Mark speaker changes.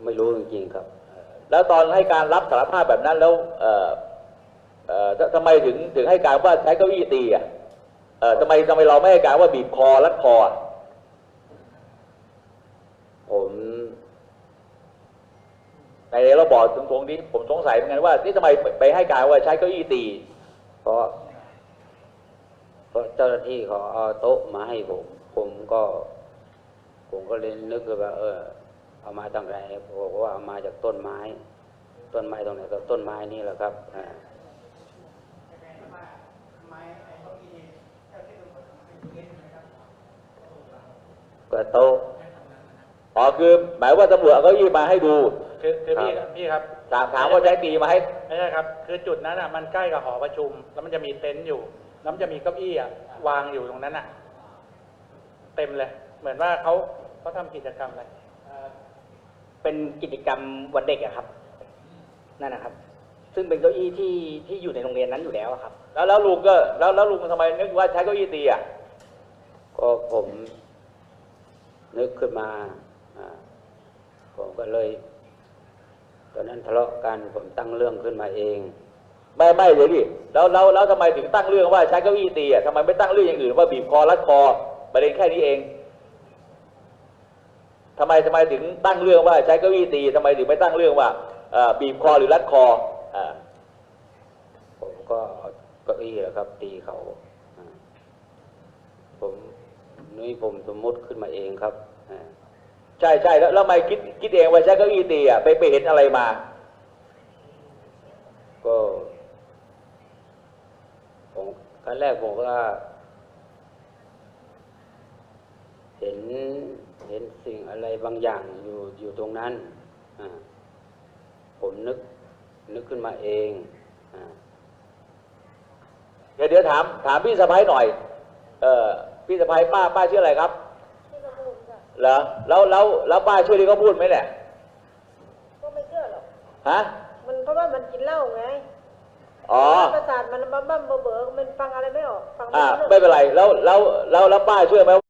Speaker 1: ไม่รู้จริงๆครับ
Speaker 2: แล้วตอนให้การรับสารภาพแบบนั้นแล้วทำไมถึงให้การว่าใช้เก้าอี้ตีอ่ะทำไมเราไม่ให้การว่าบีบคอรัดคอ
Speaker 1: ผม
Speaker 2: ในเราบอกตรงนี้ผมสงสัยเหมือนกันว่านี่ทำไมไปให้การว่าใช้เก้าอี้ตี
Speaker 1: เพราะเจ้าหน้าที่เขาเอาโต๊ะมาให้ผมก็เลยนึกว่าเอามาตั้งไหนบอกว่าเอามาจากต้นไม้ตรงไหนก็ต้นไม้นี่แหละครับก็โต๊ะ
Speaker 2: คือหมายว่าตำรวจเอาเก้าอี้มาให้ดู
Speaker 3: คือพี่ครับ
Speaker 2: ถามว่าใช้ตีมาให้
Speaker 3: ไม่ใช่ครับคือจุดนั้นอ่ะมันใกล้กับหอประชุมแล้วมันจะมีเต็นท์อยู่แล้วมันจะมีเก้าอี้อ่ะวางอยู่ตรงนั้นอ่ะเต็มเลยเหมือนว่าเขาทำกิจกรรมอะไร
Speaker 4: เป็นกิจกรรมวันเด็กอะครับนั่นนะครับซึ่งเป็นเก้าอี้ที่อยู่ในโรงเรียนนั้นอยู่แล้วครับ
Speaker 2: แล้วลุงก็แล้วลุงทำไมนึกว่าใช้เก้าอี้ตีอ่ะ
Speaker 1: ก็ผมนึกขึ้นมาผมก็เลยตอนนั้นทะเลาะกันผมตั้งเรื่องขึ้นมาเอง
Speaker 2: ไม่เดี๋ยวดิแล้วทำไมถึงตั้งเรื่องว่าใช้เก้าอี้ตีอ่ะทำไมไม่ตั้งเรื่องอย่างอื่นว่าบีบคอรัดคอประเด็นแค่นี้เองทำไมถึงตั้งเรื่องว่าใช้เก้าอี้ตีทำไมถึงไม่ตั้งเรื่องว่าบีบคอหรือรัดคอ
Speaker 1: ผมก็เก้าอี้แหละครับตีเขาผมสมมติขึ้นมาเองครับ
Speaker 2: ใช่แล้วทำไมคิดเองว่าใช้เก้าอี้ตีอ่ะไปเห็นอะไรมา
Speaker 1: ก็ครั้งแรกผมก็เห็นสิ่งอะไรบางอย่างอยู่ตรงนั้นผมนึกขึ้นมาเอง
Speaker 2: เดี๋ยวถามพี่สะพ้ายหน่อยพี่สะพ้ายป้าชื่ออะไรครับเหรอแล้วป้าชื่อที่เขาพูดไหมเนี่ย
Speaker 5: ก็ไม่เชื่อหรอก
Speaker 2: ฮะ
Speaker 5: มันเพราะว่ามันกินเหล้าไงประสาทมันบ้าเบอมันฟังอะไรไม่ออกฟัง
Speaker 2: ไม่เป็นไรแล้วป้าเชื่อไหม